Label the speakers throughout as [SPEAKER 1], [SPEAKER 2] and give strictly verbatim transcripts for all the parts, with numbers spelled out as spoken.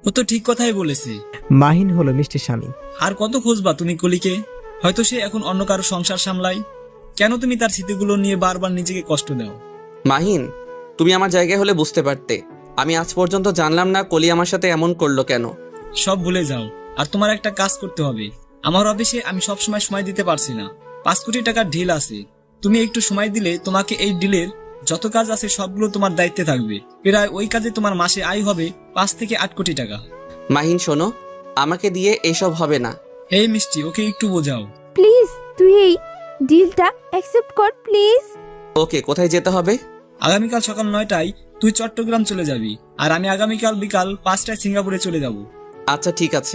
[SPEAKER 1] তো ঠিক কথাই বলেছে।
[SPEAKER 2] মাহিন হলো মিষ্টির স্বামী।
[SPEAKER 1] আর কত খুঁজবা তুমি কলিকে? হয়তো সে এখন অন্য কারো সংসার সামলায়। কেন তুমি তার স্মৃতিগুলো নিয়ে বারবার নিজেকে কষ্ট দাও?
[SPEAKER 3] মাহিন, তুমি আমার জায়গায় হলে বুঝতে পারতে। আমি আজ পর্যন্ত জানলাম না কলি আমার সাথে এমন করলো কেন।
[SPEAKER 1] সব ভুলে যাও। আর তোমার একটা কাজ করতে হবে। আমার অফিসে আমি সব সময় সময় দিতে পারছি না। পাঁচ কোটি টাকার ডিল আছে। তুমি একটু সময় দিলে তোমাকে এই ডিলের যত কাজ আছে সবগুলো তোমার দায়িত্বে থাকবে। প্রায় ওই কাজে তোমার মাসে আয় হবে পাঁচ থেকে আট কোটি টাকা।
[SPEAKER 3] মাহিন শোনো, আমাকে দিয়ে এইসব হবে না।
[SPEAKER 1] এই মিষ্টি, ওকে একটু বোঝাও।
[SPEAKER 4] প্লিজ তুই এই ডিলটা অ্যাকসেপ্ট কর প্লিজ।
[SPEAKER 3] ওকে, কোথায় যেতে হবে?
[SPEAKER 1] আগামীকাল সকাল নয়টায় তুই চট্টগ্রাম চলে যাবি, আর আমি আগামীকাল বিকাল পাঁচটায় সিঙ্গাপুরে চলে যাব।
[SPEAKER 3] আচ্ছা ঠিক আছে।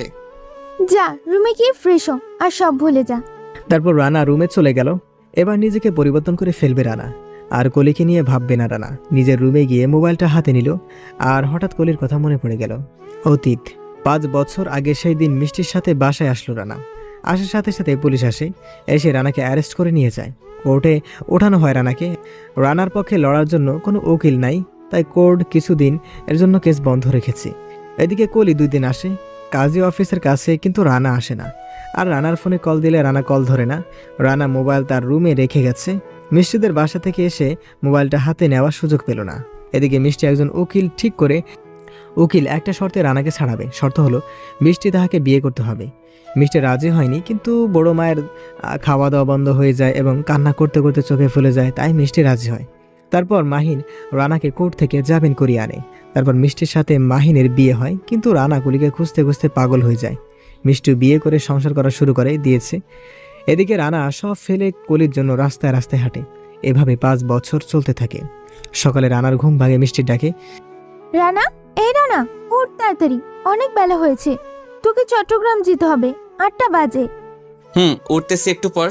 [SPEAKER 4] যা রুমে গিয়ে ফ্রেশ হ আর সব ভুলে যা।
[SPEAKER 2] তারপর রানা রুমে চলে গেল। এবার নিজেকে পরিবর্তন করে ফেলবে রানা, আর কলিকে নিয়ে ভাববে না রানা। নিজের রুমে গিয়ে মোবাইলটা হাতে নিল, আর হঠাৎ কলির কথা মনে পড়ে গেল। অতীত পাঁচ বছর আগে সেই দিন মিষ্টির সাথে বাসায় আসলো রানা। আসার সাথে সাথে পুলিশ আসে, এসে রানাকে অ্যারেস্ট করে নিয়ে যায়। কোর্টে ওঠানো হয় রানাকে। রানার পক্ষে লড়ার জন্য কোনো উকিল নাই, তাই কোর্ট কিছুদিন এর জন্য কেস বন্ধ রেখেছে। এদিকে কলি দুই দিন আসে কাজী অফিসের কাছে, কিন্তু রানা আসে না। আর রানার ফোনে কল দিলে রানা কল ধরে না। রানা মোবাইল তার রুমে রেখে গেছে। মিষ্টিদের বাসা থেকে এসে মোবাইলটা হাতে নেওয়ার সুযোগ পেল না। এদিকে মিষ্টি একজন উকিল ঠিক করে, উকিল একটা শর্তে রানাকে ছাড়াবে। শর্ত হলো মিষ্টি তাহাকে বিয়ে করতে হবে। মিষ্টি রাজি হয়নি, কিন্তু বড় মায়ের খাওয়া দাওয়া বন্ধ হয়ে যায় এবং কান্না করতে করতে চোখে ফুলে যায়, তাই মিষ্টি রাজি হয়। তারপর মাহিন রানাকে কোর্ট থেকে জামিন করিয়ে আনে। তারপর মিষ্টির সাথে মাহিনের বিয়ে হয়, কিন্তু রানা কলিকে খুঁজতে খুঁজতে পাগল হয়ে যায়। মিষ্টি বিয়ে করে সংসার করা শুরু করে দিয়েছে। এদিকে রানা সব ফেলে কলির জন্য রাস্তায় রাস্তায় হাঁটে। এভাবে পাঁচ বছর চলতে থাকে। সকালে রানার ঘুম ভাঙে মিষ্টির ডাকে।
[SPEAKER 4] রানা, এই রানা, উঠ তাড়াতাড়ি, অনেক বেলা হয়েছে। তোকে চট্টগ্রাম যেতে হবে, আটটা বাজে।
[SPEAKER 3] হুম, উঠতেছি একটু পর।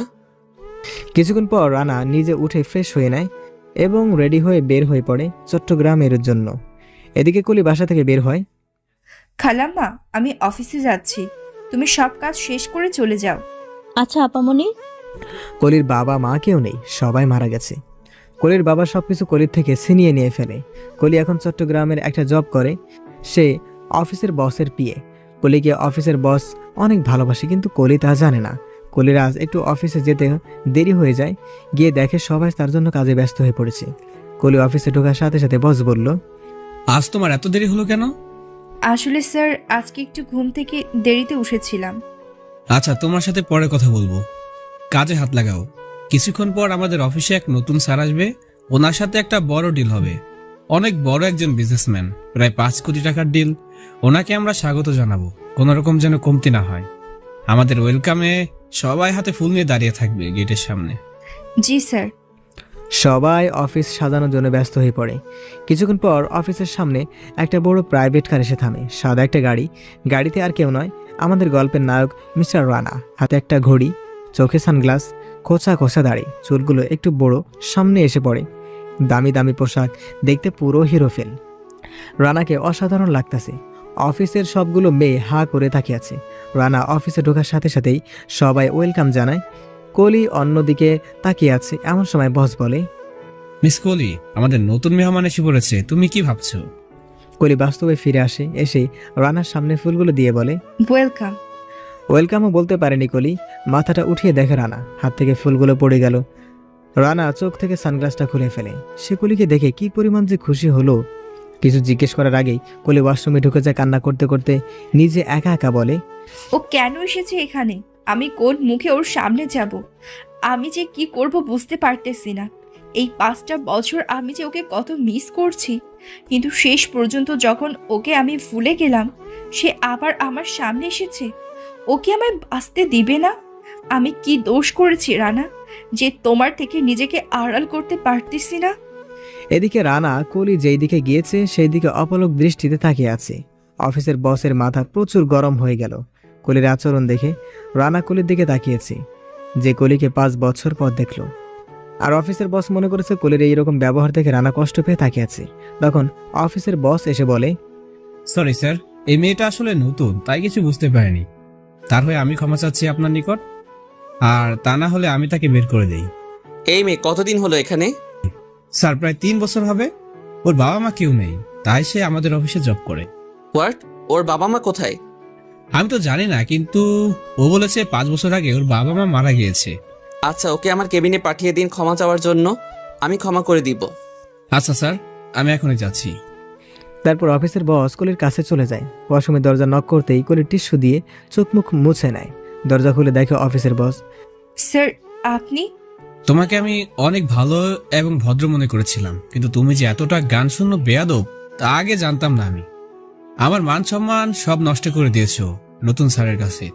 [SPEAKER 2] কিছুক্ষণ পর রানা নিজে উঠে ফ্রেশ হয়ে নেয় এবং রেডি হয়ে বের হয়ে পড়ে চট্টগ্রামের জন্য। এদিকে কলি বাসা থেকে বের হয়।
[SPEAKER 5] খালাম্মা, আমি অফিসে যাচ্ছি, তুমি সব কাজ শেষ করে চলে যাও।
[SPEAKER 6] আচ্ছা আপামনি।
[SPEAKER 2] কলির বাবা মা কেউ নেই, সবাই মারা গেছে। কলির বাবা সবকিছু কলির থেকে ছিনিয়ে নিয়ে ফেলে। কলি এখন চট্টগ্রামের একটা জব করে। সে অফিসের বসের পিএ। কলিকে অফিসের বস অনেক ভালোবাসে, কিন্তু কলি তা জানে না। কলির আজ একটু অফিসে যেতে দেরি হয়ে যায়। গিয়ে দেখে সবাই তার জন্য কাজে ব্যস্ত হয়ে পড়েছে। কলি অফিসে ঢোকার সাথে সাথে বস বলল,
[SPEAKER 1] আজ তোমার এত দেরি হলো কেন?
[SPEAKER 5] আসলে স্যার, আজকে একটু ঘুম থেকে দেরিতে উঠেছিলাম।
[SPEAKER 7] আচ্ছা, তোমার সাথে পরে কথা বলবো। কাজে হাত লাগাও। কিছুক্ষণ পর আমাদের অফিসে এক নতুন স্যার আসবে। ওনার সাথে একটা বড় ডিল হবে। অনেক বড় একজন বিজনেসম্যান, প্রায় পাঁচ কোটি টাকার ডিল। ওনাকে আমরা স্বাগত জানাবো, কোনো রকম যেন কমতি না হয়। আমাদের ওয়েলকামে সবাই হাতে ফুল নিয়ে দাঁড়িয়ে থাকবে গেটের সামনে।
[SPEAKER 5] জি স্যার।
[SPEAKER 2] সবাই অফিস সাজানোর জন্য ব্যস্ত হয়ে পড়ে। কিছুক্ষণ পর অফিসের সামনে একটা বড় প্রাইভেট কার এসে থামে। সাদা একটা গাড়ি। গাড়িতে আর কেউ নয়, আমাদের গল্পের নায়ক মিস্টার রানা। হাতে একটা ঘড়ি, চোখে সানগ্লাস, খোঁচা খোঁচা দাড়ি, চুলগুলো একটু বড়, সামনে এসে পড়ে। দামি দামি পোশাক, দেখতে পুরো হিরো ফেল। রানাকে অসাধারণ লাগতেছে। অফিসের সবগুলো মেয়ে হা করে তাকিয়ে আছে। রানা অফিসে ঢোকার সাথে সাথেই সবাই ওয়েলকাম জানায়। কলি অন্যদিকে তাকিয়ে আছে। এমন সময় বস বলে,
[SPEAKER 7] মিস কোহলি, আমাদের নতুন মেহমান এসে পড়েছে। তুমি কি ভাবছো?
[SPEAKER 2] কলি বাস্তবে ফিরে আসে। এসে রানার সামনে ফুলগুলো দিয়ে বলে,
[SPEAKER 5] ওয়েলকাম।
[SPEAKER 2] ওয়েলকামও বলতে পারেনি কলি। মাথাটা উঠিয়ে দেখে রানা, হাত থেকে ফুলগুলো পড়ে গেল। রানা চোখ থেকে সানগ্লাসটা খুলে ফেলে। সে কলিকে দেখে কি পরিমাণ যে খুশি হলো। কিছু জিজ্ঞেস করার আগেই কলি ওয়াশরুমে ঢুকে যায় কান্না করতে করতে। নিজে একা একা বলে,
[SPEAKER 5] ও কেন এসেছে এখানে? আমি কোন মুখে ওর সামনে যাব? আমি যে কি করব বুঝতে পারতেছি না। এই পাঁচটা বছর আমি যে ওকে কত মিস করছি, কিন্তু শেষ পর্যন্ত যখন ওকে আমি ভুলে গেলাম, সে আবার আমার সামনে এসেছে। ওকে আমায় বাঁচতে দিবে না? আমি কি দোষ করেছি রানা, যে তোমার থেকে নিজেকে আড়াল করতে পারতেছি না?
[SPEAKER 2] এদিকে রানা কলি যেই দিকে গিয়েছে সেই দিকে অপলক দৃষ্টিতে তাকিয়ে আছে। অফিসের বসের মাথা প্রচুর গরম হয়ে গেল। কলির আচরণ দেখে রানা কলির দিকে তাকিয়েছে, যে কলিকে পাঁচ বছর পর দেখল। আর অফিসের বস মনে করেছে কলির এইরকম ব্যবহার দেখে রানা কষ্ট পেয়ে তাকিয়ে আছে। তখন অফিসের বস এসে বলে,
[SPEAKER 7] সরি স্যার, এই মেয়েটা আসলে নতুন, তাই কিছু বুঝতে পারেনি। তার হয়ে আমি ক্ষমা চাচ্ছি আপনার নিকট। আর তা না হলে আমি তাকে বের করে দেই।
[SPEAKER 3] এই মেয়ে কতদিন হলো এখানে?
[SPEAKER 7] স্যার, প্রায় তিন বছর হবে। ওর বাবা মা কেউ নেই, তাই সে আমাদের অফিসে জব করে।
[SPEAKER 3] হোয়াট? ওর বাবা মা কোথায়?
[SPEAKER 7] আমি তো জানি না, কিন্তু ও বলেছে পাঁচ বছর আগে ওর বাবা মা মারা গিয়েছে।
[SPEAKER 3] আচ্ছা, ওকে আমার কেবিনে পাঠিয়ে দিন ক্ষমা চাওয়ার জন্য, আমি ক্ষমা করে দিব।
[SPEAKER 7] আচ্ছা স্যার, আমি এখনই যাচ্ছি।
[SPEAKER 2] তারপর অফিসের বস কলির কাছে চলে যায়। ওয়াশরুমে দরজা নক করতেই কলির টিস্যু দিয়ে চোখ মুখ মুছে নেয়। দরজা খুলে দেখে অফিসের বস।
[SPEAKER 5] স্যার, আপনি?
[SPEAKER 7] তোমাকে আমি অনেক ভালো এবং ভদ্র মনে করেছিলাম, কিন্তু তুমি যে এতটা গান শূন্য বেয়াদব তা আগে জানতাম না আমি। আমার মান সম্মান সব নষ্ট করে দিয়েছো নতুন স্যারের কাছে।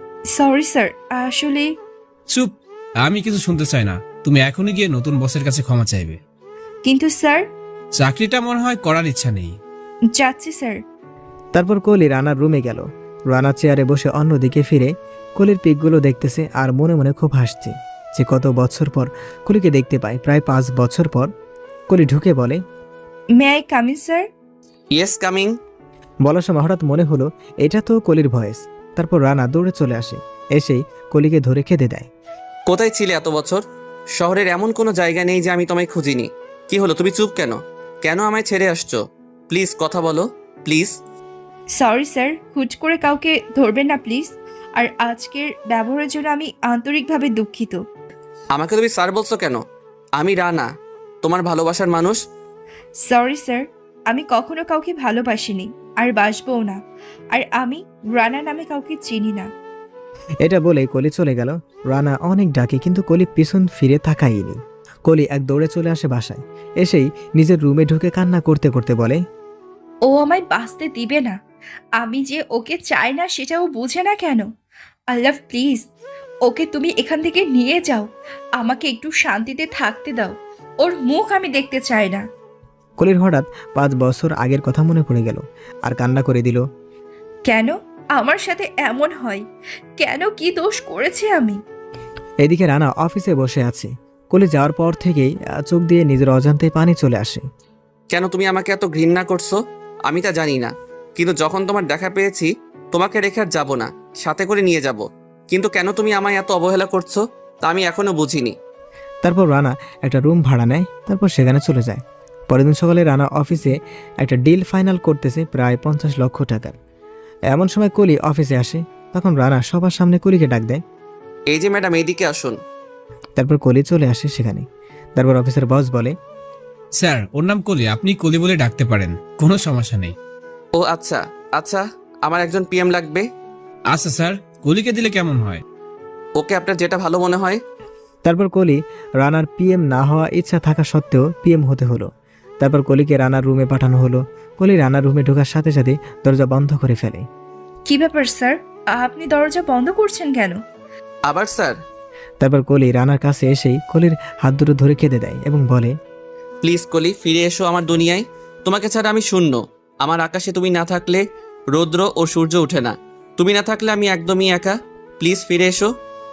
[SPEAKER 5] সরি স্যার, আসলে
[SPEAKER 7] চুপ, আমি কিছু শুনতে চাই না। তুমি এখনই গিয়ে নতুন বসের কাছে ক্ষমা চাইবে।
[SPEAKER 5] কিন্তু স্যার।
[SPEAKER 7] চাকরিটা মনে হয় করার ইচ্ছা নেই।
[SPEAKER 5] যাচ্ছি স্যার।
[SPEAKER 2] তারপর কলি রানার রুমে গেল। রানা চেয়ারে বসে অন্যদিকে ফিরে কলির পিকগুলো দেখতেছে আর মনে মনে খুব হাসছে যে কত বছর পর কলিকে দেখতে পায়। প্রায় পাঁচ বছর পর কলি ঢুকে বলে,
[SPEAKER 5] may I come in sir?
[SPEAKER 3] Yes, coming.
[SPEAKER 2] বলার সময় হঠাৎ মনে হলো এটা তো কলির ভয়েস। তারপর রানা দৌড়ে চলে আসে, এসেই কলিকে ধরে খেতে দেয়।
[SPEAKER 3] কোথায় ছিলে এত বছর? শহরের এমন কোনো জায়গা নেই যে আমি তোমায় খুঁজিনি। কি হলো, তুমি চুপ কেন? কেন আমায় ছেড়ে আসছো? প্লিজ কথা বলো, প্লিজ।
[SPEAKER 5] সরি স্যার, হুট করে কাউকে ধরবেন না প্লিজ। আর আজকের ব্যবহারের জন্য আমি আন্তরিকভাবে দুঃখিত।
[SPEAKER 3] আমাকে তুমি স্যার বলছো কেন? আমি রানা, তোমার ভালোবাসার মানুষ।
[SPEAKER 5] সরি স্যার, আমি কখনো কাউকে ভালোবাসিনি আর বাসবও না। আর আমি রানা নামে কাউকে চিনি না।
[SPEAKER 2] এটা বলে কলি চলে গেল। রানা অনেক ডাকে কিন্তু কলি পিছন ফিরে তাকায়নি। কলি এক দৌড়ে চলে আসে বাসায়। এসেই নিজের রুমে ঢুকে কান্না করতে করতে বলে,
[SPEAKER 5] ও আমায় বাঁচতে দিবে না। আমি যে ওকে চাই না সেটা ও বুঝে না কেন? আল্লাহ প্লিজ, ওকে তুমি এখান থেকে নিয়ে যাও। আমাকে একটু শান্তিতে থাকতে দাও। ওর মুখ আমি দেখতে চাই না।
[SPEAKER 2] কলির হঠাৎ পাঁচ বছর আগের কথা মনে পড়ে গেল আর কান্না করে দিল।
[SPEAKER 5] কেন আমার সাথে এমন হয়? কেন, কি দোষ করেছি আমি?
[SPEAKER 2] এদিকে রানা অফিসে বসে আছে। কলি যাওয়ার পর থেকেই আহ, চোখ দিয়ে নিজের অজান্তে পানি চলে আসে।
[SPEAKER 3] কেন তুমি আমাকে এত ঘৃণা করছো আমি তা জানি না, কিন্তু যখন তোমার দেখা পেয়েছি তোমাকে রেখে আর যাবো না, সাথে করে নিয়ে যাব। কিন্তু কেন তুমি আমায় এত অবহেলা করছো তা আমি এখনো বুঝিনি।
[SPEAKER 2] তারপর রানা একটা রুম ভাড়া নেয়, তারপর সেখানে চলে যায়। পরের দিন সকালে রানা অফিসে একটা ডিল ফাইনাল করতেছে প্রায় পঞ্চাশ লক্ষ টাকার। এমন সময় কলি অফিসে আসে। তখন রানা সবার সামনে কলিকে ডাক দেয়।
[SPEAKER 3] এই যে ম্যাডাম, এইদিকে আসুন।
[SPEAKER 2] তারপর কলি চলে আসে সেখানে। তারপর অফিসের বস বলে,
[SPEAKER 7] স্যার, ওর নাম কলি, আপনি কলি বলে ডাকতে পারেন, কোনো সমস্যা নেই।
[SPEAKER 3] ও আচ্ছা আচ্ছা, আমার একজন পিএম লাগবে।
[SPEAKER 7] আচ্ছা স্যার, কলিকে দিলে কেমন হয়?
[SPEAKER 3] ওকে, আপনার যেটা ভালো মনে হয়।
[SPEAKER 2] তারপর কলি রানার পিএম না হওয়া ইচ্ছা থাকা সত্ত্বেও পিএম হতে হলো। তারপর কলিকে রানার রুমে পাঠানো হলো। কলি রানার রুমে ঢোকার সাথে সাথে দরজা বন্ধ করে ফেলে।
[SPEAKER 5] কি ব্যাপার স্যার, আপনি দরজা বন্ধ করছেন কেন?
[SPEAKER 3] আবার স্যার?
[SPEAKER 2] তারপর কলি রানার কাছে এসেই কলির হাত দুটো ধরে কেঁদে দেয় এবং বলে,
[SPEAKER 3] প্লিজ কলি, ফিরে এসো আমার দুনিয়ায়। তোমাকে ছাড়া আমি শূন্য। আমার আকাশে তুমি না থাকলে রৌদ্র ও সূর্য ওঠে না। তুমি না থাকলে আমি একদমই একা। প্লিজ ফিরে এসো।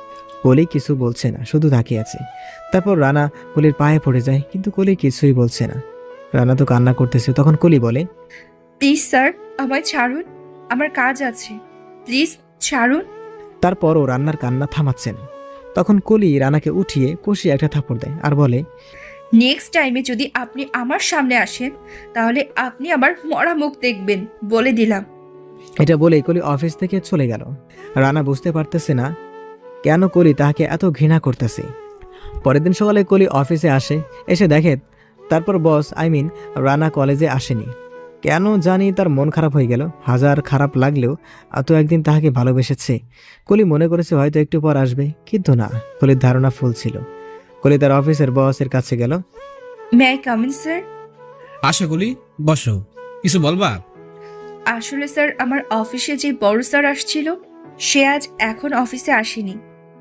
[SPEAKER 2] কলি কিছু বলছে না, শুধু তাকিয়ে আছে। তারপর রানা কলির পায়ে পড়ে যায়, কিন্তু কলি কিছুই বলছে না। রানা তো কান্না করতেছে। তখন কলি বলে,
[SPEAKER 5] প্লিজ স্যার, আমায় ছাড়ুন, আমার কাজ আছে। প্লিজ ছাড়ুন।
[SPEAKER 2] তারপরও রান্নার কান্না থামাচ্ছে না। তখন কলি রানাকে উঠিয়ে কষিয়ে একটা থাপড় দেয় আর বলে,
[SPEAKER 5] নেক্সট টাইমে যদি আপনি আমার সামনে আসেন তাহলে আপনি আমার মরা মুখ দেখবেন, বলে দিলাম।
[SPEAKER 2] এটা বলেই কলি অফিস থেকে চলে গেল। রানা বুঝতে পারতেছে না কেন কলি তাকে এত ঘৃণা করতেছে। পরের দিন সকালে কলি অফিসে আসে। এসে দেখে তারপর বস আই মিন রানা কলেজে আসেনি। কেন জানি তার মন খারাপ হয়ে গেল। হাজার খারাপ লাগলেও এত একদিন তাহাকে ভালোবেসেছে। কলি মনে করেছে হয়তো একটু পর আসবে, কিন্তু না, কলির ধারণা ভুল ছিল। কলি তার অফিসের বসের কাছে গেল।
[SPEAKER 5] May I come in sir?
[SPEAKER 7] আশা কলি, বসো, কিছু বলবা?
[SPEAKER 5] আসলে স্যার, আমার অফিসে যে বড় স্যার আসছিল সে আজ এখন অফিসে আসেনি।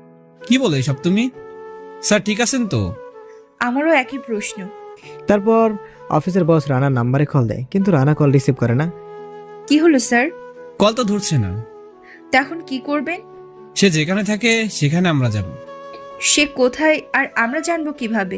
[SPEAKER 7] কি বলো এসব তুমি? স্যার ঠিক আছেন তো?
[SPEAKER 5] আমারও একই প্রশ্ন।
[SPEAKER 2] তারপর অফিসের বস রানার নাম্বারে কল দেয়, কিন্তু রানা কল রিসিভ করে না।
[SPEAKER 5] কি হলো স্যার?
[SPEAKER 7] কল তো ধরছে না।
[SPEAKER 5] তা এখন কি করবেন?
[SPEAKER 7] সে যেখানে থাকে সেখানে আমরা যাব।
[SPEAKER 5] সে কোথায় আর আমরা জানবো কিভাবে?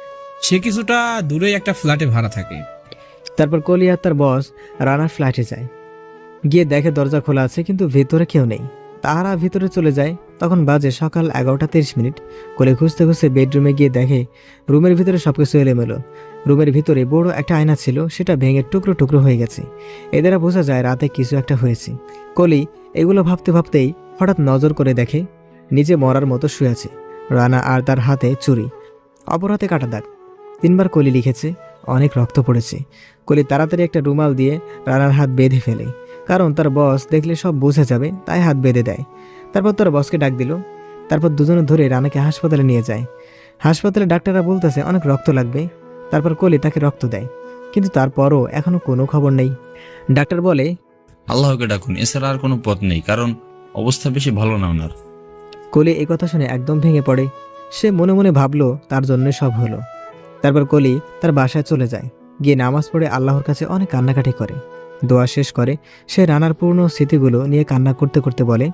[SPEAKER 7] সে কিছুটা দূরে একটা ফ্ল্যাটে ভাড়া থাকে।
[SPEAKER 2] তারপর কলি আর তার বস রানার ফ্ল্যাটে যায়। গিয়ে দেখে দরজা খোলা আছে, কিন্তু ভেতরে কেউ নেই। তারা ভিতরে চলে যায়। তখন বাজে সকাল এগারোটা তিরিশ মিনিট। কলি খুঁজতে খুঁজতে বেডরুমে গিয়ে দেখে রুমের ভিতরে সবকিছু এলোমেলো। রুমের ভিতরে বড় একটা আয়না ছিল, সেটা ভেঙে টুকরো টুকরো হয়ে গেছে। এ দ্বারা বোঝা যায় রাতে কিছু একটা হয়েছে। কলি এগুলো ভাবতে ভাবতেই হঠাৎ নজর করে দেখে নিজে মরার মতো শুয়ে আছে রানা, আর তার হাতে চুরি, অপর হাতে কাটা দাগ। তিনবার কলি লিখেছে, অনেক রক্ত পড়েছে। কলি তাড়াতাড়ি একটা রুমাল দিয়ে রানার হাত বেঁধে ফেলে, কারণ তার বস দেখলে সব বোঝা যাবে, তাই হাত বেঁধে দেয়। তারপর তার বসকে ডাক দিল। তারপর দুজনে ধরে রানাকে হাসপাতালে নিয়ে যায়। হাসপাতালে ডাক্তাররা বলতেছে অনেক রক্ত লাগবে। তারপর কলি তাকে রক্ত দেয়, কিন্তু তারপরও এখনো কোনো খবর নেই। ডাক্তার বলে,
[SPEAKER 6] আল্লাহকে ডাকুন, এছাড়া আর কোনো পথ নেই, কারণ অবস্থা বেশি ভালো না ওনার।
[SPEAKER 2] কলি এই কথা শুনে একদম ভেঙে পড়ে। সে মনে মনে ভাবলো তার জন্য সব হলো। তারপর কলি তার বাসায় চলে যায়, গিয়ে নামাজ পড়ে আল্লাহর কাছে অনেক কান্নাকাটি করে। দোয়া শেষ করে সে রানার পুরনো স্মৃতিগুলো নিয়ে কান্না করতে করতে বলে,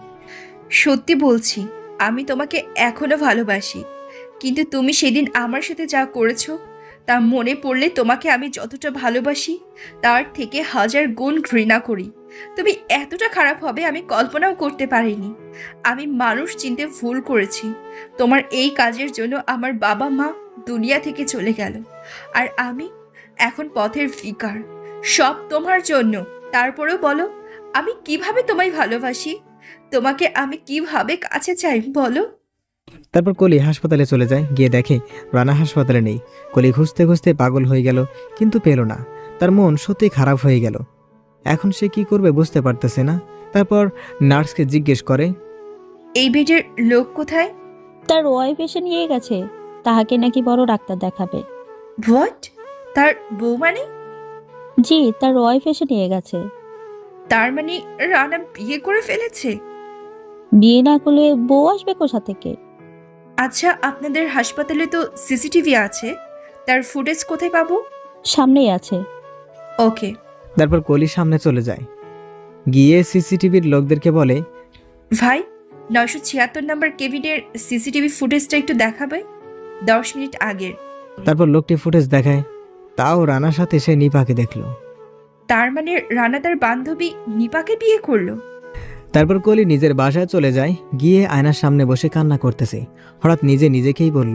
[SPEAKER 5] সত্যি বলছি, আমি তোমাকে এখনো ভালোবাসি, কিন্তু তুমি সেদিন আমার সাথে যা করেছো তা মনে পড়লে তোমাকে আমি যতটা ভালোবাসি তার থেকে হাজার গুণ ঘৃণা করি। তুমি এতটা খারাপ হবে আমি কল্পনাও করতে পারিনি। আমি মানুষ চিনতে ভুল করেছি। তোমার এই কাজের জন্য আমার বাবা মা দুনিয়া থেকে চলে গেল, আর আমি এখন পথের ভিখার। সব তোমার জন্য। তারপরেও বলো, আমি কিভাবে তোমায় ভালোবাসি, তোমাকে আমি কিভাবে কাছে চাই বলো।
[SPEAKER 2] তারপর কলি হাসপাতালে চলে যায়, গিয়ে দেখে রানা হাসপাতালে নেই। কলি খুঁজতে খুঁজতে পাগল হয়ে গেল, কিন্তু পেল না। তার মন সত্যি খারাপ হয়ে গেল। এখন সে কি করবে বুঝতে পারতেছে না। তারপর নার্সকে জিজ্ঞেস করে,
[SPEAKER 5] এই বেডের লোক কোথায়?
[SPEAKER 8] তার ওয়াইফ এসে নিয়ে গেছে, তাহাকে নাকি বড় ডাক্তার দেখাবে।
[SPEAKER 5] হোয়াট? তার বউ মানে?
[SPEAKER 8] জি, তার ওয়াইফ এসে নিয়ে গেছে।
[SPEAKER 5] তার মানে রানা বিয়ে করে ফেলেছে?
[SPEAKER 8] বিয়ে না করলে বউ আসবে কোথা থেকে?
[SPEAKER 5] আচ্ছা, আপনাদের হাসপাতালে তো সিসিটিভি আছে, তার ফুটেজ কোথায় পাবো?
[SPEAKER 8] সামনেই আছে।
[SPEAKER 5] ওকে।
[SPEAKER 2] তারপর কলি সামনে চলে যায়, গিয়ে সিসিটিভির লোকদেরকে বলে,
[SPEAKER 5] ভাই, নয়শো ছিয়াত্তর নম্বর কেবিনের সিসিটিভি ফুটেজটা একটু দেখাবে, দশ মিনিট আগের।
[SPEAKER 2] তারপর লোকটি ফুটেজ দেখায়। তাও রানার সাথে সে নিপাকে দেখলো।
[SPEAKER 5] তার মানে রানা তার বান্ধবী নিপাকে বিয়ে করলো?
[SPEAKER 2] তারপর কলি নিজের বাসায় চলে যায়, গিয়ে আয়নার সামনে বসে কান্না করতেছে। হঠাৎ নিজে নিজেকেই বলল,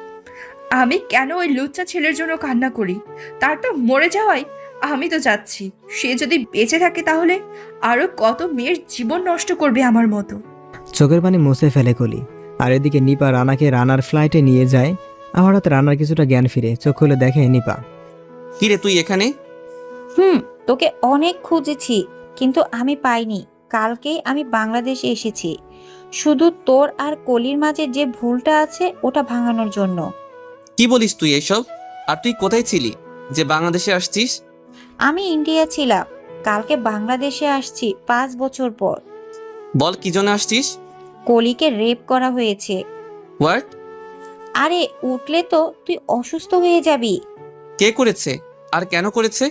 [SPEAKER 5] আমি কেন ওই লুচ্চা ছেলের জন্য কান্না করি? তার তো মরে যাওয়াই, আমি তো যাচ্ছি। সে যদি বেঁচে থাকে তাহলে আরো কত মেয়ের জীবন নষ্ট করবে আমার মতো।
[SPEAKER 2] চোখের পানি মুছে ফেলে কলি। আর এদিকে নিপা রানাকে রানার ফ্লাইটে নিয়ে যায়। আর হঠাৎ রানার কিছুটা জ্ঞান ফিরে, চোখ খুলে দেখে নিপা।
[SPEAKER 3] কিরে তুই এখানে?
[SPEAKER 9] হুম, তোকে অনেক খুঁজেছি কিন্তু আমি পাইনি। কালকেই আমি বাংলাদেশে এসেছি শুধু তোর আর কলির মাঝে যে ভুলটা আছে ওটা ভাঙানোর জন্য।
[SPEAKER 3] কি বলিস তুই এসব? আর তুই কোথায় ছিলি যে বাংলাদেশে আসছিস?
[SPEAKER 9] আমি ইন্ডিয়া ছিলাম, কালকে বাংলাদেশে আসছি পাঁচ বছর পর।
[SPEAKER 3] বল কি জন্য আসছিস?
[SPEAKER 9] কলিকে রেপ করা হয়েছে।
[SPEAKER 3] হোয়াট?
[SPEAKER 9] আরে উঠলে তো তুই অসুস্থ হয়ে যাবি।
[SPEAKER 3] কে করেছে আর কেন করেছে?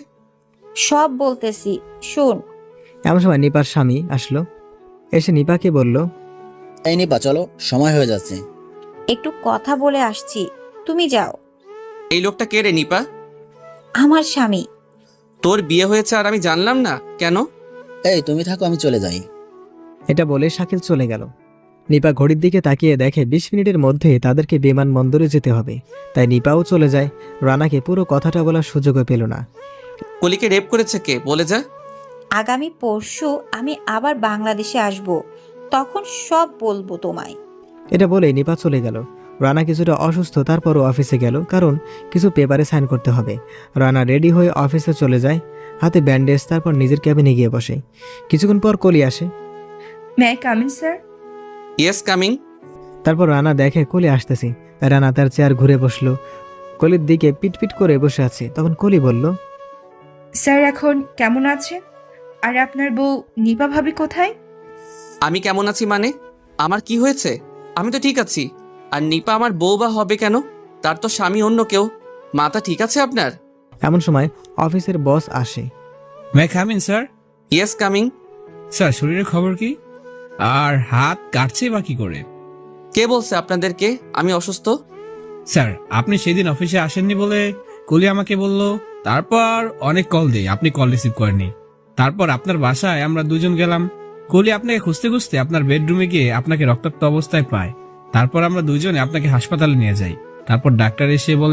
[SPEAKER 9] সব বলতেছি, শোন।
[SPEAKER 2] এমন সময় নিপার স্বামী আসলো, এসে নিপাকে বলল,
[SPEAKER 10] এই নিপা চলো, সময় হয়ে যাচ্ছে।
[SPEAKER 9] একটু কথা বলে আসছি, তুমি যাও।
[SPEAKER 3] এই লোকটা কে রে নিপা?
[SPEAKER 9] আমার স্বামী।
[SPEAKER 3] তোর বিয়ে হয়েছে আর আমি জানলাম না কেন?
[SPEAKER 10] এই তুমি থাকো, আমি চলে যাই।
[SPEAKER 2] এটা বলে শাকিল চলে গেল। নিপা ঘড়ির দিকে তাকিয়ে দেখে বিশ মিনিটের মধ্যে তাদেরকে বিমানবন্দরে যেতে হবে। তাই নিপাও চলে যায়। রানাকে পুরো কথাটা বলার সুযোগও পেল না।
[SPEAKER 3] কলিকে রেপ করেছে কে বলে যা।
[SPEAKER 9] আগামী পরশু আমি আবার বাংলাদেশে আসব, তখন সব বলবো তোমায়।
[SPEAKER 2] এটা বলে নিপা চলে গেল। রানা কিছুটা অসুস্থ, তারপরও অফিসে গেল, কারণ কিছু পেপারে সাইন করতে হবে। রানা রেডি হয়ে অফিসে চলে যায়, হাতে ব্যান্ডেজ। তারপর নিজের ক্যাবিনে গিয়ে বসে। কিছুক্ষণ পর কলি আসে।
[SPEAKER 5] May come in sir?
[SPEAKER 3] Yes coming.
[SPEAKER 2] তারপর রানা দেখে কলি আসতেছে। তাই রানা তার চেয়ার ঘুরে বসলো, কলির দিকে পিটপিট করে বসে আছে। তখন কলি বলল,
[SPEAKER 5] স্যার এখন কেমন আছেন? আর আপনার বউ নিপা ভাবি কোথায়?
[SPEAKER 3] আমি কেমন আছি মানে? আমার কি হয়েছে? আমি তো ঠিক আছি। আর নিপা আমার বউ বা হবে কেন? তার তো স্বামী অন্য কেউ। মাথা ঠিক আছে আপনার?
[SPEAKER 2] এমন সময় অফিসের বস আসে।
[SPEAKER 7] May come in sir?
[SPEAKER 3] Yes coming.
[SPEAKER 7] Sir, শরীরের খবর কি? আর হাত কাটছে বা কি করে?
[SPEAKER 3] কে বলছে আপনাদেরকে আমি অসুস্থ?
[SPEAKER 7] স্যার, আপনি সেদিন অফিসে আসেননি বলে কলি আমাকে বলল। তারপর অনেক কল দেই, আপনি কল রিসিভ করেননি। তারপর আপনার বাসায় আমরা দুজন গেলাম। কলি আপনাকে খুঁজতে খুঁজতে আপনার বেডরুমে গিয়ে আপনাকে রক্তাক্ত অবস্থায় পায়। তারপর আমরা দুজনে আপনাকে হাসপাতালে নিয়ে যাই। তারপর ডাক্তার এসে বলে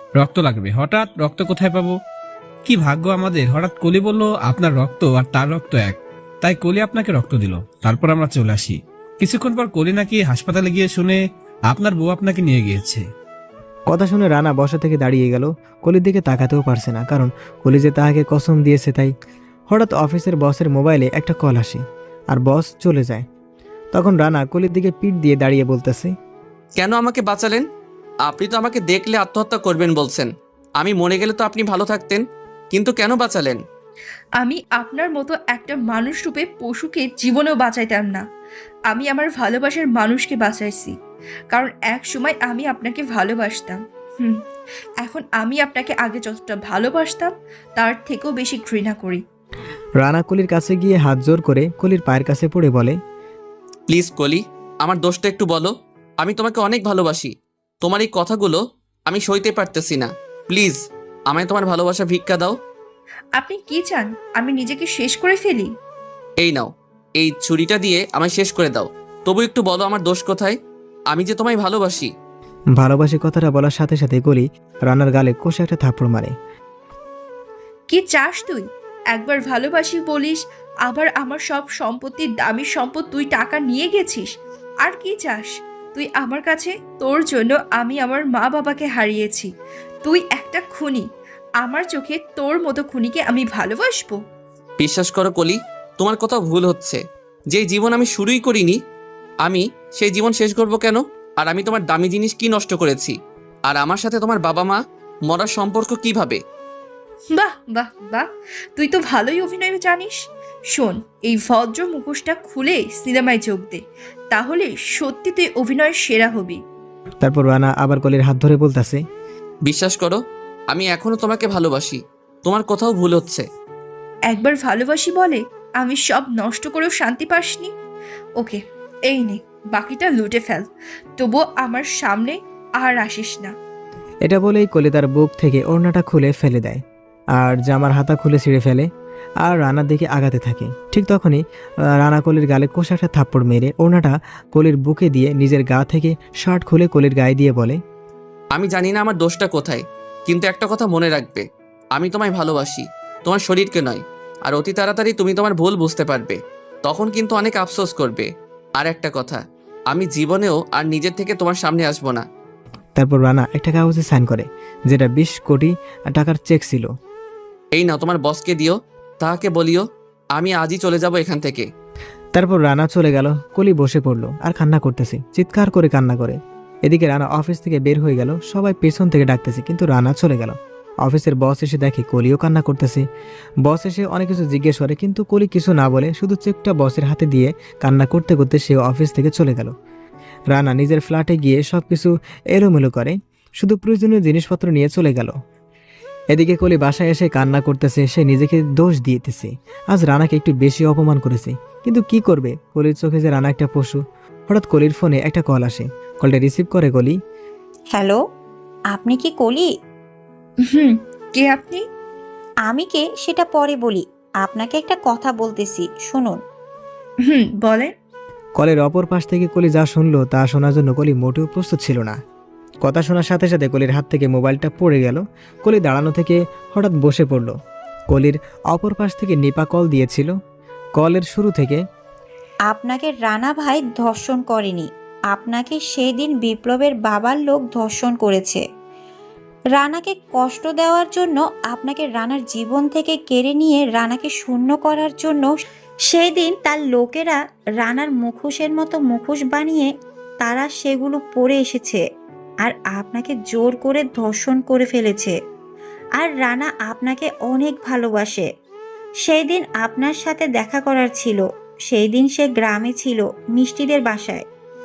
[SPEAKER 7] রক্ত লাগবে। হঠাৎ রক্ত কোথায় পাবো? কি ভাগ্য আমাদের! হঠাৎ কলি বলল আপনার রক্ত আর তার রক্ত এক, তাই কলি আপনাকে রক্ত দিল। তারপর আমরা চলে আসি। কিছুক্ষণ পর কলি নাকি হাসপাতালে গিয়ে শুনে আপনার বউ আপনাকে নিয়ে গিয়েছে।
[SPEAKER 2] কথা শুনে রানা বসা থেকে দাঁড়িয়ে গেল। কলির দিকে তাকাতেও পারছে না, কারণ কলি যে তাহাকে কসম দিয়েছে তাই। হঠাৎ অফিসের বসের মোবাইলে একটা কল আসে আর বস চলে যায়। তখন রানা কলির দিকে পিঠ দিয়ে দাঁড়িয়ে বলতেছে,
[SPEAKER 3] কেন আমাকে বাঁচালেন? আপনি তো আমাকে দেখলে আত্মহত্যা করবেন বলছেন। আমি মরে গেলে তো আপনি ভালো থাকতেন, কিন্তু কেন বাঁচালেন?
[SPEAKER 5] আমি আপনার মতো একটা মানুষ রূপে পশুকে জীবনেও বাঁচাইতাম না। আমি আমার ভালোবাসার মানুষকে বাঁচাইছি, কারণ এক সময় আমি আপনাকে ভালোবাসতাম। হুম এখন আমি আপনাকে আগে যতটা ভালোবাসতাম তার থেকেও বেশি ঘৃণা করি।
[SPEAKER 2] রানা কলির কাছে গিয়ে হাত জোর করে কলির পায়ের কাছে পড়ে বলে,
[SPEAKER 3] প্লিজ কলি, আমার দোষটা একটু বলো। আমি তোমাকে অনেক ভালোবাসি। তোমার এই কথাগুলো আমি সইতে পারতেছি না। প্লিজ আমায় তোমার ভালোবাসা ভিক্ষা দাও।
[SPEAKER 5] আপনি কি চান আমি নিজেকে শেষ করে ফেলি?
[SPEAKER 3] এই নাও, এই ছুরিটা দিয়ে আমায় শেষ করে দাও। তবু একটু বলো আমার দোষ কোথায়? আমি যে তোমায় ভালোবাসি।
[SPEAKER 2] ভালোবাসি কথাটা বলার সাথে সাথে কলি রানার গালে কষে একটা থাপ্পড় মারে।
[SPEAKER 5] কি চাস তুই? একবার ভালোবাসি বলিস, আবার আমার সব সম্পত্তির দামি সম্পদ তুই টাকা নিয়ে গেছিস। আর কি চাস তুই আমার কাছে? তোর জন্য আমি আমার মা বাবাকে হারিয়েছি। তুই একটা খুনি। আমার চোখে তোর মতো খুনিকে আমি ভালোবাসবো?
[SPEAKER 3] বিশ্বাস করো কলি, তোমার কথা ভুল হচ্ছে। যেই জীবন আমি শুরুই করিনি, আমি সেই জীবন শেষ করব কেন? আর আমি তোমার দামি জিনিস কি নষ্ট করেছি? আর আমার সাথে তোমার বাবা মা মরার সম্পর্ক কিভাবে?
[SPEAKER 5] বাহ বাহ বাহ, তুই তো ভালোই অভিনয় জানিস। শোন, এই ভদ্র মুখোশটা খুলে সিনেমায় যোগ দে, তাহলে সত্যি তুই অভিনয়ের সেরা হবি।
[SPEAKER 2] তারপর রানা আবার কলির হাত ধরে বলতেছে,
[SPEAKER 3] বিশ্বাস করো, আমি এখনো তোমাকে ভালোবাসি। তোমার কোথাও ভুল হচ্ছে।
[SPEAKER 5] একবার ভালোবাসি বলে আমি সব নষ্ট করেও শান্তি পাসনি। ওকে, এই নে, বাকিটা লুটে ফেল, তবুও আমার সামনে আর আসিস না।
[SPEAKER 2] এটা বলেই কলি তার বুক থেকে ওড়নাটা খুলে ফেলে দেয় আর জামার হাতা খুলে ছিঁড়ে ফেলে আর রানার দিকে আগাতে থাকে। ঠিক তখনই আহ, রানা কলির গালে কষা একটা থাপ্পড় মেরে ওড়নাটা কলির বুকে দিয়ে নিজের গা থেকে শার্ট খুলে কলির গায়ে দিয়ে বলে,
[SPEAKER 3] আমি জানি না আমার দোষটা কোথায়, কিন্তু একটা কথা মনে রাখবে, আমি তোমায় ভালোবাসি, তোমার শরীরকে নয়। আর অতি তাড়াতাড়ি তুমি তোমার ভুল বুঝতে পারবে, তখন কিন্তু অনেক আফসোস করবে। আর একটা কথা, আমি জীবনেও আর নিজের থেকে তোমার সামনে আসবো না।
[SPEAKER 2] তারপর রানা একটা কাগজে সাইন করে, যেটা বিশ কোটি টাকার চেক ছিল।
[SPEAKER 3] এই নাও, তোমার বসকে দিও, তাহাকে বলিও আমি আজই চলে যাব এখান থেকে।
[SPEAKER 2] তারপর রানা চলে গেল। কলি বসে পড়লো আর কান্না করতেছে, চিৎকার করে কান্না করে। এদিকে রানা অফিস থেকে বের হয়ে গেল, সবাই পেছন থেকে ডাকতেছে, কিন্তু রানা চলে গেল। অফিসের বস এসে দেখে কলিও কান্না করতেছে। বস এসে অনেক কিছু জিজ্ঞেস করে, কিন্তু কলি কিছু না বলে শুধু চেকটা বসের হাতে দিয়ে কান্না করতে করতে সে অফিস থেকে চলে গেল। রানা নিজের ফ্ল্যাটে গিয়ে সব কিছু এলোমেলো করে, শুধু প্রয়োজনীয় জিনিসপত্র নিয়ে চলে গেল। এদিকে কলি বাসায় এসে কান্না করতেছে, সে নিজেকে দোষ দিতেছে, আজ রানাকে একটু বেশি অপমান করেছে। কিন্তু কি করবে, কলির চোখে যে রানা একটা পশু। হঠাৎ কলির ফোনে একটা কল আসে, কলটা রিসিভ করে কলি।
[SPEAKER 9] হ্যালো, আপনি কি কলি?
[SPEAKER 5] হুম, কে আপনি?
[SPEAKER 9] আমি কে সেটা পরে বলি, আপনাকে একটা কথা বলতেছি, শুনুন।
[SPEAKER 5] হুম, বলেন।
[SPEAKER 2] কলের অপর পাশ থেকে কলি যা শুনলো তা শোনার জন্য কলি মোটেও প্রস্তুত ছিল না। কথা শোনার সাথে সাথে কলির হাত থেকে মোবাইলটা পড়ে গেল। কলি দাঁড়ানো থেকে হঠাৎ বসে পড়ল। কলির অপর পাশ থেকে নিপা কল দিয়েছিল। কলের শুরু থেকে,
[SPEAKER 9] আপনাকে রানা ভাই ধর্ষণ করেনি, আপনাকে সেই দিন বিপ্লবের বাবার লোক ধর্ষণ করেছে। রানাকে কষ্ট দেওয়ার জন্য, আপনাকে রানার জীবন থেকে কেড়ে নিয়ে রানাকে শূন্য করার জন্য সেই দিন তার লোকেরা রানার মুখোশের মতো মুখোশ বানিয়ে তারা সেগুলো পরে এসেছে আর আপনাকে জোর করে ধর্ষণ করে ফেলেছে। আর রানা আপনাকে অনেক ভালোবাসে। সেই দিন আপনার সাথে দেখা করার ছিল, সেই দিন সে গ্রামে ছিল মিষ্টিদের বাসায়।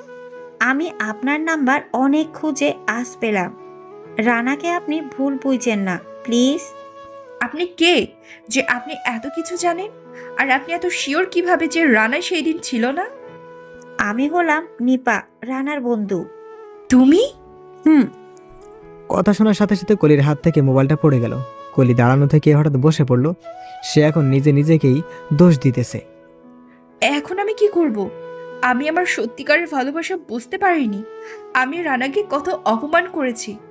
[SPEAKER 9] আমি আপনার নাম্বার অনেক খুঁজে আজ পেলাম। রানাকে আপনি ভুল বুঝছেন না, প্লিজ।
[SPEAKER 5] আপনি কে যে আপনি এত কিছু জানেন? আর আপনি এত শিওর কিভাবে যে রানা সেই দিন ছিল না?
[SPEAKER 9] আমি হলাম নিপা, রানার বন্ধু।
[SPEAKER 5] তুমি?
[SPEAKER 9] হুম।
[SPEAKER 2] কথা শোনার সাথে সাথে কলির হাত থেকে মোবাইলটা পড়ে গেল। কলি দাঁড়ানো থেকে হঠাৎ বসে পড়ল। সে এখন নিজে নিজেকেই দোষ দিতেছে।
[SPEAKER 5] এখন আমি কি করব? আমি আমার সত্যিকারের ভালোবাসা বুঝতে পারিনি। আমি রানাকে কত অপমান করেছি,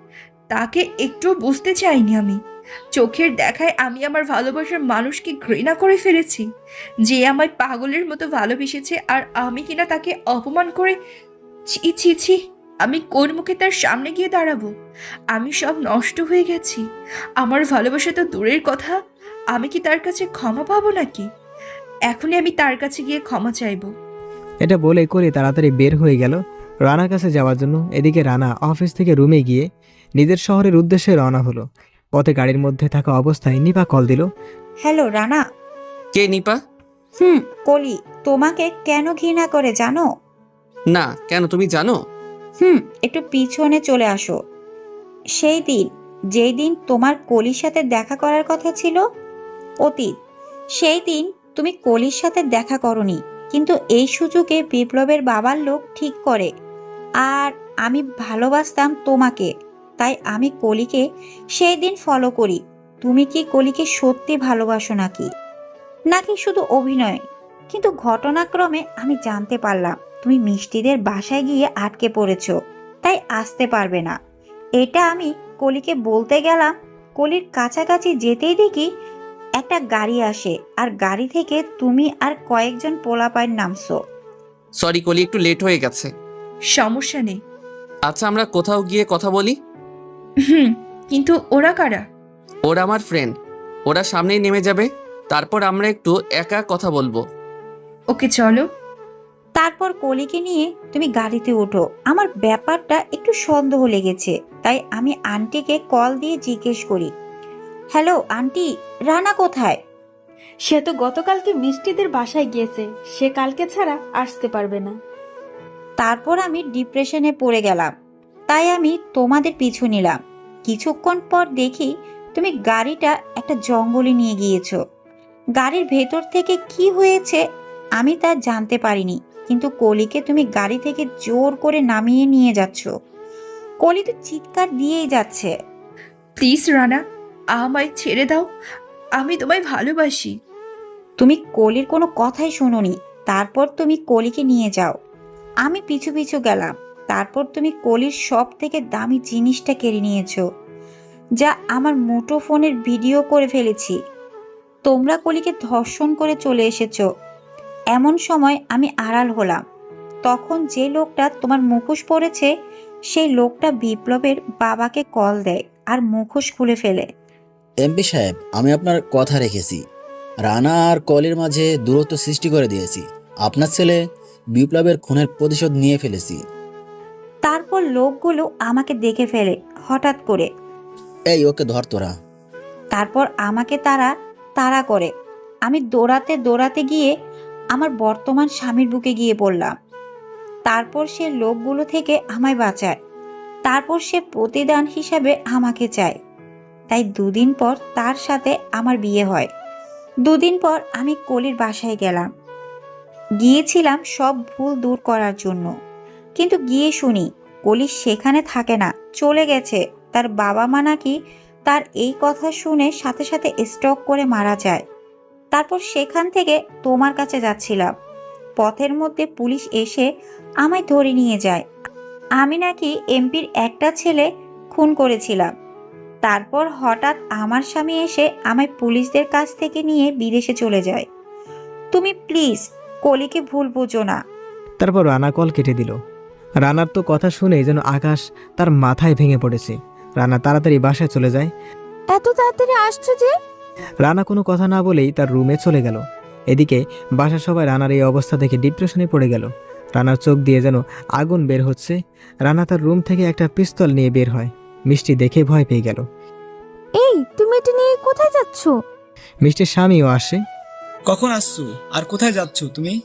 [SPEAKER 5] তাকে একটু বুঝতে চাইনি আমি। চোখের দেখায় আমি আমার ভালোবাসার মানুষকে ঘৃণা করে ফেলেছি, যে আমায় পাগলের মতো ভালোবেসেছে, আর আমি কিনা তাকে অপমান করে। ছি ছি ছি, আমি কোন মুখে তার সামনে গিয়ে দাঁড়াবো? আমি সব নষ্ট হয়ে গেছি। আমার ভালোবাসা তো দূরের কথা, আমি কি তার কাছে ক্ষমা পাবো নাকি? এখনই আমি তার কাছে গিয়ে ক্ষমা চাইবো।
[SPEAKER 2] এটা বলে কলি তাড়াতাড়ি বের হয়ে গেল রানার কাছে যাওয়ার জন্য। এদিকে রানা অফিস থেকে রুমে গিয়ে নিজের শহরের উদ্দেশ্যে রওনা হলো। পথে গাড়ির মধ্যে থাকা অবস্থায় নিপা কল দিল।
[SPEAKER 9] হ্যালো রানা।
[SPEAKER 3] কে নিপা?
[SPEAKER 9] হুম কলি তোমাকে কেন ঘৃণা করে জানো?
[SPEAKER 3] না, কেন, তুমি জানো?
[SPEAKER 9] হুম একটু পিছনে চলে আসো। সেই দিন, যেই দিন তোমার কলির সাথে দেখা করার কথা ছিল, অতীত। সেই দিন তুমি কলির সাথে দেখা করনি, কিন্তু এই সুযোগে বিপ্লবের বাবার লোক ঠিক করে। আর আমি ভালোবাসতাম তোমাকে, তাই আমি কলিকে সেই দিন ফলো করি। তুমি কি কলিকে সত্যি ভালোবাসো নাকি নাকি শুধু অভিনয়? কিন্তু ঘটনাক্রমে আমি জানতে পারলাম তুমি মিষ্টিদের বাসায় গিয়ে আটকে পড়েছো, তাই আসতে পারবে না। এটা আমি কলিকে বলতে গেলাম, কলির কাছাকাছি যেতেই দেখি একটা গাড়ি আসে, আর গাড়ি থেকে তুমি আর কয়েকজন পোলাপাইন নামছো।
[SPEAKER 3] সরি কলি, একটু লেট হয়ে গেছে।
[SPEAKER 5] সমস্যা নেই।
[SPEAKER 3] আচ্ছা, আমরা কোথাও গিয়ে কথা বলি।
[SPEAKER 5] হুম, কিন্তু ওরা কারা?
[SPEAKER 3] ওরা আমার ফ্রেন্ড, ওরা সামনেই নেমে যাবে, তারপর আমরা একটু একা কথা বলবো।
[SPEAKER 5] ওকে চলো।
[SPEAKER 9] তারপর কলিকে নিয়ে তুমি গাড়িতে ওঠো। আমার ব্যাপারটা একটু সন্দেহ লেগেছে, তাই আমি আন্টিকে কল দিয়ে জিজ্ঞেস করি, হ্যালো আন্টি, রানা কোথায়?
[SPEAKER 11] সে তো গতকালকে মিষ্টিদের বাসায় গিয়েছে, সে কালকে ছাড়া আসতে পারবে না।
[SPEAKER 9] তারপর আমি ডিপ্রেশনে পড়ে গেলাম, তাই আমি তোমাদের পিছু নিলাম। কিছুক্ষণ পর দেখি তুমি গাড়িটা একটা জঙ্গলে নিয়ে গিয়েছো। গাড়ির ভেতর থেকে কি হয়েছে আমি তা জানতে পারিনি, কিন্তু কলিকে তুমি গাড়ি থেকে জোর করে নামিয়ে নিয়ে যাচ্ছ। কলি তো চিৎকার দিয়েই যাচ্ছে।
[SPEAKER 5] প্লিজ রানা, আমায় ছেড়ে দাও, আমি তোমায় ভালোবাসি।
[SPEAKER 9] তুমি কলির কোনো কথাই শোনোনি। তারপর তুমি কলিকে নিয়ে যাও। আমি পিছু পিছু গেলাম। তারপর তুমি কলির সব থেকে দামি জিনিসটা কেড়ে নিয়েছো, যা আমার মুঠোফোনের ভিডিও করে ফেলেছি। তোমরা কলিকে ধর্ষণ করে চলে এসেছো। এমন সময় আমি আড়াল হলাম। তখন যে লোকটা তোমার মুখোশ পরেছে, সেই লোকটা বিপ্লবের বাবাকে কল দেয় আর মুখোশ খুলে ফেলে।
[SPEAKER 10] এমপি সাহেব, আমি আপনার কথা রেখেছি। রানা আর কলির মাঝে দূরত্ব সৃষ্টি করে দিয়েছি। আপনার ছেলে বিপ্লবের খুনের প্রতিশোধ নিয়ে ফেলেছি।
[SPEAKER 9] তারপর লোকগুলো আমাকে দেখে ফেলে হঠাৎ করে।
[SPEAKER 10] এই, ওকে ধর তোরা।
[SPEAKER 9] তারপর আমাকে তারা তাড়া করে। আমি দৌড়াতে দৌড়াতে গিয়ে আমার বর্তমান স্বামীর বুকে গিয়ে পড়লাম। তারপর সে লোকগুলো থেকে আমায় বাঁচায়। তারপর সে প্রতিদান হিসাবে আমাকে চায়। তাই দুদিন পর তার সাথে আমার বিয়ে হয়। দুদিন পর আমি কলির বাসায় গেলাম। গিয়েছিলাম সব ভুল দূর করার জন্য, কিন্তু গিয়ে শুনি কলি সেখানে থাকে না, চলে গেছে। তার বাবা মা নাকি তার এই কথা শুনে সাথে সাথে স্ট্রোক করে মারা যায়। তারপর সেখান থেকে তোমার কাছে যাচ্ছিলাম, পথের মধ্যে পুলিশ এসে আমায় ধরে নিয়ে যায়। আমি নাকি এমপির একটা ছেলে খুন করেছিলাম। তারপর হঠাৎ আমার স্বামী এসে আমায় পুলিশদের কাছ থেকে নিয়ে বিদেশে চলে যায়। তুমি প্লিজ কলিকে ভুল বুঝো না।
[SPEAKER 2] তারপর রানা কল কেটে দিল। রানার তো কথা শুনে যেন আকাশ তার মাথায় ভেঙে পড়েছে। রানা তাড়াতাড়ি বাসায় চলে যায়।
[SPEAKER 4] এত তাড়াতাড়ি আসছো যে?
[SPEAKER 2] রানা কোনো কথা না বলেই তার রুমে চলে গেল। এদিকে বাসার সবাই রানার এই অবস্থা দেখে ডিপ্রেশনে পড়ে গেল। রানার চোখ দিয়ে যেন আগুন বের হচ্ছে। রানা তার রুম থেকে একটা পিস্তল নিয়ে বের হয়। মিষ্টি দেখে ভয় পেয়ে গেল।
[SPEAKER 4] এই, তুমি এটা নিয়ে কোথায় যাচ্ছ?
[SPEAKER 2] মিষ্টির স্বামীও আসে।
[SPEAKER 1] কখন আসছো আর কোথায় যাচ্ছ তুমি?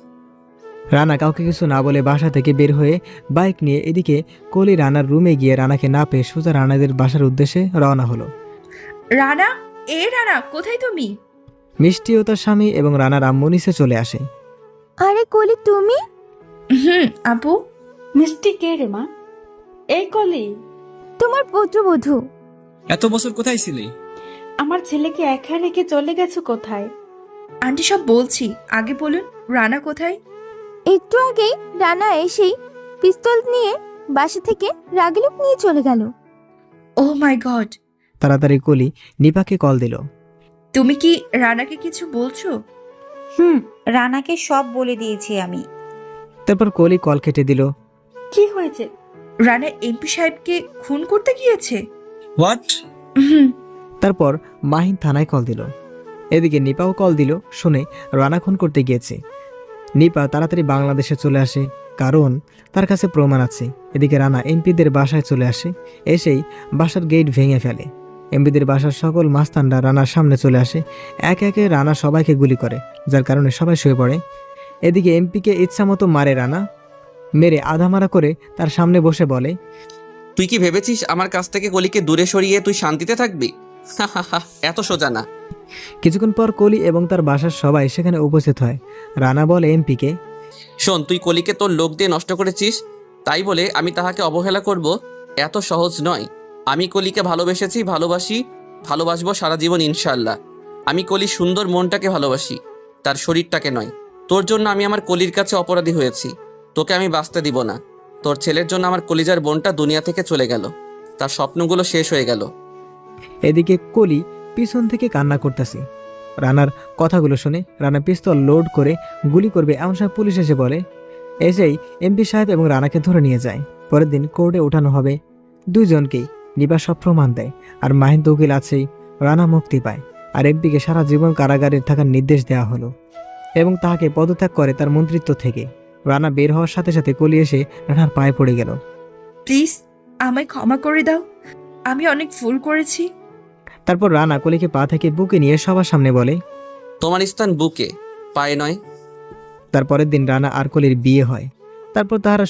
[SPEAKER 2] রানা কাউকে কিছু না বলে বাসা থেকে বের হয়ে বাইক নিয়ে এদিকে কলি রানার রুমে গিয়ে রানাকে না পেয়ে সোজা রানাদের বাসার উদ্দেশ্যে রওনা হলো।
[SPEAKER 5] রানা, এ রানা, কোথায় তুমি?
[SPEAKER 2] মিষ্টি ও তার স্বামী এবং রানার আম্মু নিচে চলে আসে।
[SPEAKER 4] আরে কলি, তুমি?
[SPEAKER 5] হুম আপু।
[SPEAKER 11] মিষ্টি কে রে মা? এই কলি,
[SPEAKER 4] তোমার পুত্রবধূ।
[SPEAKER 1] এত বছর কোথায় ছিলে?
[SPEAKER 11] আমার ছেলেকে একা রেখে চলে গেছো কোথায়?
[SPEAKER 5] আন্টি সব বলছি, আগে বলুন রানা কোথায়?
[SPEAKER 4] একটু আগেই রানা এসেই পিস্তল নিয়ে বাসা থেকে রাগিলুক নিয়ে চলে গেল।
[SPEAKER 5] ও ও মাই গড,
[SPEAKER 2] তাড়াতাড়ি কলি নিপাকে কল দিল।
[SPEAKER 5] তুমি কি রানাকে কিছু বলছো?
[SPEAKER 9] হুম রানাকে সব বলে দিয়েছি আমি।
[SPEAKER 2] তারপর কলি কল কেটে দিল।
[SPEAKER 11] কি হয়েছে?
[SPEAKER 5] রানা এমপি সাহেবকে খুন করতে গিয়েছে।
[SPEAKER 1] হোয়াট?
[SPEAKER 5] হুম।
[SPEAKER 2] তারপর মাহিন থানায় কল দিল। এদিকে নিপাও কল দিল, শুনে রানা খুন করতে গিয়েছে। নিপা তাড়াতাড়ি বাংলাদেশে চলে আসে, কারণ তার কাছে প্রমাণ আছে। এদিকে রানা এমপিদের বাসায় চলে আসে, এসেই বাসার গেট ভেঙে ফেলে। এমপিদের বাসার সকল মাস্তানরা রানার সামনে চলে আসে, একে একে রানা সবাইকে গুলি করে, যার কারণে সবাই শুয়ে পড়ে। এদিকে এমপিকে ইচ্ছামতো মারে রানা, মেরে আধামারা করে তার সামনে বসে বলে,
[SPEAKER 3] তুই কি ভেবেছিস আমার কাছ থেকে কলিকে দূরে সরিয়ে তুই শান্তিতে থাকবি? এত সোজা না।
[SPEAKER 2] কিছুক্ষণ পর কলি এবং তার বাসার সবাই সেখানে উপস্থিত হয়। রানা বলে এমপিকে,
[SPEAKER 3] শোন, তুই কলিকে তোর লোক দিয়ে নষ্ট করেছিস, তাই বলে আমি তাহাকে অবহেলা করব এত সহজ নয়। আমি কলিকে ভালোবেসেছি, ভালোবাসি, ভালোবাসবো সারা জীবন ইনশাল্লাহ। আমি কলির সুন্দর মনটাকে ভালোবাসি, তার শরীরটাকে নয়। তোর জন্য আমি আমার কলির কাছে অপরাধী হয়েছি, তোকে আমি বাঁচতে দিব না। তোর ছেলের জন্য আমার কলিজার বোনটা দুনিয়া থেকে চলে গেল, তার স্বপ্নগুলো শেষ হয়ে গেল।
[SPEAKER 2] এদিকে কলি পিছন থেকে কান্না করতেছে। রানার কথাগুলো শুনে রানা পিস্তল লোড করে গুলি করবে এমন সময় পুলিশ এসে বলে, এসেই এমপি সাহেব এবং রানাকে ধরে নিয়ে যায়। পরের দিন কোর্টে ওঠানো হবে দুইজনকেই। নিবা সব প্রমাণ দেয়, আর মাহিন তো উকিল আছেই। রানা মুক্তি পায়, আর এমপিকে সারা জীবন কারাগারে থাকার নির্দেশ দেওয়া হলো এবং তাকে পদত্যাগ করে তার মন্ত্রিত্ব থেকে। রানা বের হওয়ার সাথে সাথে কলি এসে রানার পায়ে পড়ে গেল।
[SPEAKER 5] প্লিজ আমায় ক্ষমা করে দাও, আমি অনেক ভুল করেছি।
[SPEAKER 2] তারপর রানা কলিকে পা থেকে বুকে নিয়ে সবার সামনে বলে,
[SPEAKER 3] তোমার স্থান বুকে, পায়ে নয়।
[SPEAKER 2] তারপরের দিন রানা আর কলির বিয়ে হয়। তারপর তাহারা